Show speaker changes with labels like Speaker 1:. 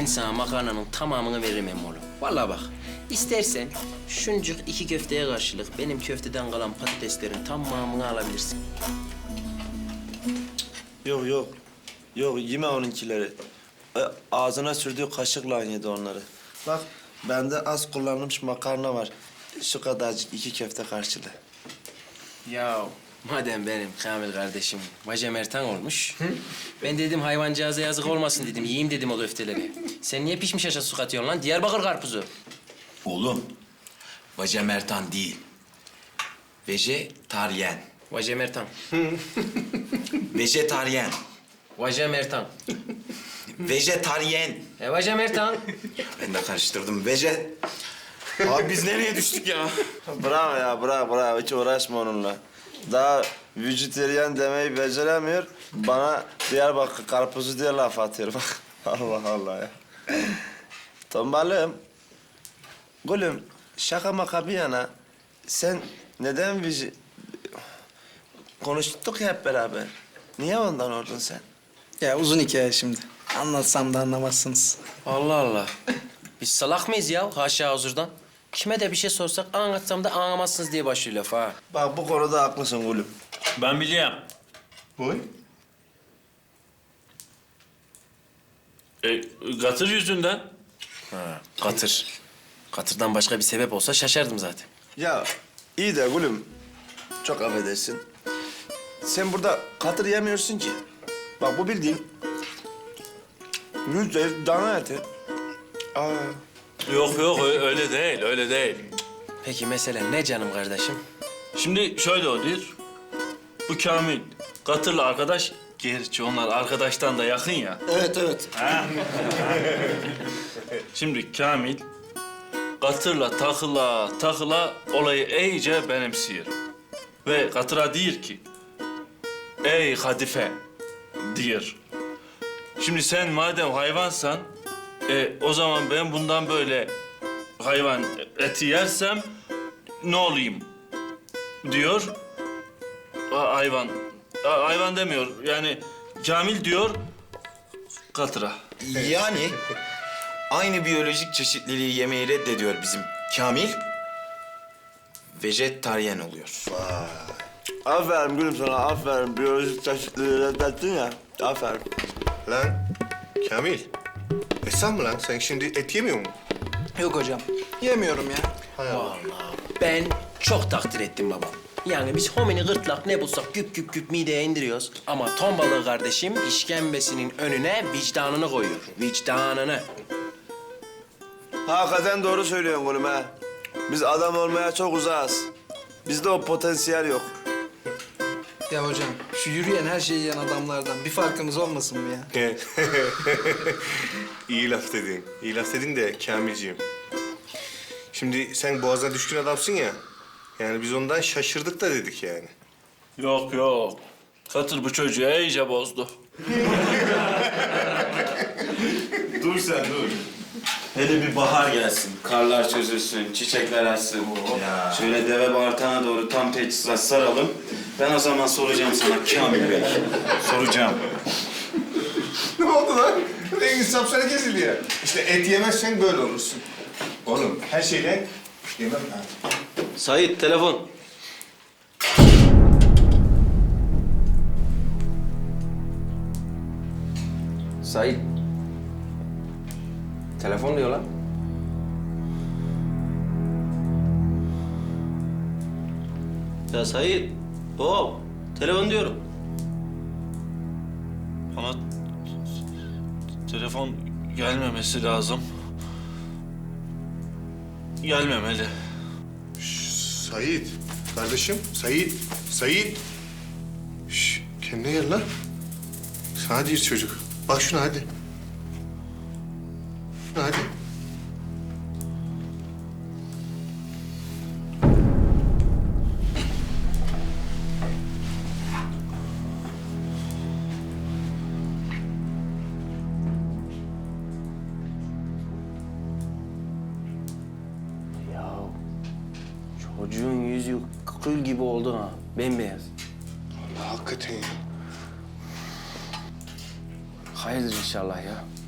Speaker 1: sana makarnanın tamamını veririm emmoğlu. Vallahi bak, istersen şuncuk 2 köfteye karşılık benim köfteden kalan patateslerin tamamını alabilirsin.
Speaker 2: Yok yok. Yok yeme onunkileri. Ağzına sürdüğü kaşıkla yedi onları. Bak bende az kullanılmış makarna var. Şu kadarcık 2 köfte karşılığı.
Speaker 1: Ya madem benim Kamil kardeşim vajemertan olmuş. Ben dedim hayvancağıza yazık olmasın dedim. Yiyeyim dedim o köfteleri. Sen niye pişmiş aşağı su katıyorsun lan? Diyarbakır karpuzu.
Speaker 3: Oğlum, vajemertan değil. Vejetaryen.
Speaker 1: Vajemertan.
Speaker 3: Vejetaryen.
Speaker 1: Vajemertan.
Speaker 3: Vejetaryen.
Speaker 1: Vajemertan.
Speaker 3: Ben de karıştırdım. Abi biz nereye düştük ya?
Speaker 2: Bravo ya bravo. Hiç uğraşma onunla. Daha vejetaryen demeyi beceremiyor. Bana Diyarbakır karpuzu diye laf atıyor bak. Allah Allah ya. Tombalım. Gülüm şaka maka bir yana. Sen neden konuştuk ya hep beraber. Niye ondan oldun sen?
Speaker 4: Ya uzun hikaye şimdi. Anlatsam da anlamazsınız.
Speaker 1: Allah Allah. Biz salak mıyız ya haşa huzurdan? Kime de bir şey sorsak anlatsam da anlamazsınız diye başlıyor laf ha.
Speaker 2: Bak bu konuda haklısın gülüm.
Speaker 5: Ben biliyorum.
Speaker 6: Buyur.
Speaker 5: Katır yüzünden.
Speaker 1: Katır. Katırdan başka bir sebep olsa şaşardım zaten.
Speaker 2: Ya iyi de gülüm. Çok affedersin. Sen burada katır yemiyorsun ki. Bak bu bildiğin %100 dana eti. Aa.
Speaker 5: Yok öyle değil, öyle değil.
Speaker 1: Peki mesele ne canım kardeşim?
Speaker 5: Şimdi şöyle oluyor. Bu Kamil, Katır'la arkadaş. Gerçi onlar arkadaştan da yakın ya.
Speaker 4: Evet.
Speaker 5: Şimdi Kamil, Katır'la takıla olayı iyice benimsiyor. Ve Katır'a diyor ki, ey Kadife diyor. Şimdi sen madem hayvansan, o zaman ben bundan böyle hayvan eti yersem ne olayım diyor. Hayvan demiyor yani Kamil diyor Katır'a.
Speaker 3: Yani aynı biyolojik çeşitliliği yemeyi reddediyor bizim Kamil. Vejetaryen oluyor.
Speaker 2: Aferin gülüm sana aferin. Biyolojik çeşitliliği reddettin ya. Aferin.
Speaker 6: Lan Kamil. Sen mi lan? Sen şimdi et yemiyor musun?
Speaker 4: Yok hocam. Yemiyorum ya.
Speaker 1: Ben çok takdir ettim babam. Yani biz homini gırtlak ne bulsak güp güp güp mideye indiriyoruz. Ama ton balığı kardeşim işkembesinin önüne vicdanını koyuyor. Vicdanını.
Speaker 2: Hakikaten doğru söylüyorsun gülüm ha. Biz adam olmaya çok uzağız. Bizde o potansiyel yok.
Speaker 4: Ya hocam şu yürüyen her şeyi yiyen adamlardan bir farkımız olmasın mı ya?
Speaker 6: İyi laf dedin. İyi laf dedin de Kamilciğim. Şimdi sen boğazına düşkün adamsın ya. Yani biz ondan şaşırdık da dedik yani.
Speaker 5: Yok. Katır bu çocuğu iyice bozdu.
Speaker 6: Dur sen dur.
Speaker 7: Hele bir bahar gelsin, karlar çözülsün, çiçekler açsın. Şöyle deve bağırtana doğru tam teçhizat saralım. Ben o zaman soracağım sana Kamil Bey. Soracağım.
Speaker 6: Ne oldu lan? En insafsana kesildi ya. İşte et yemezsen böyle olursun. Oğlum her şeyden yemem ha.
Speaker 1: Sait telefon. Sait. Telefon diyor lan. Ya Sait. Hop. Telefon diyorum.
Speaker 5: Bana telefon gelmemesi lazım. Gelmemeli.
Speaker 6: Sait. Kardeşim Sait. Şş, kendine gel lan. Sana değil çocuk. Bak şuna hadi. Hadi.
Speaker 1: Çocuğun yüzü kıl gibi oldu ha. Bembeyaz.
Speaker 6: Allah hakikaten ya.
Speaker 1: Hayırdır inşallah ya.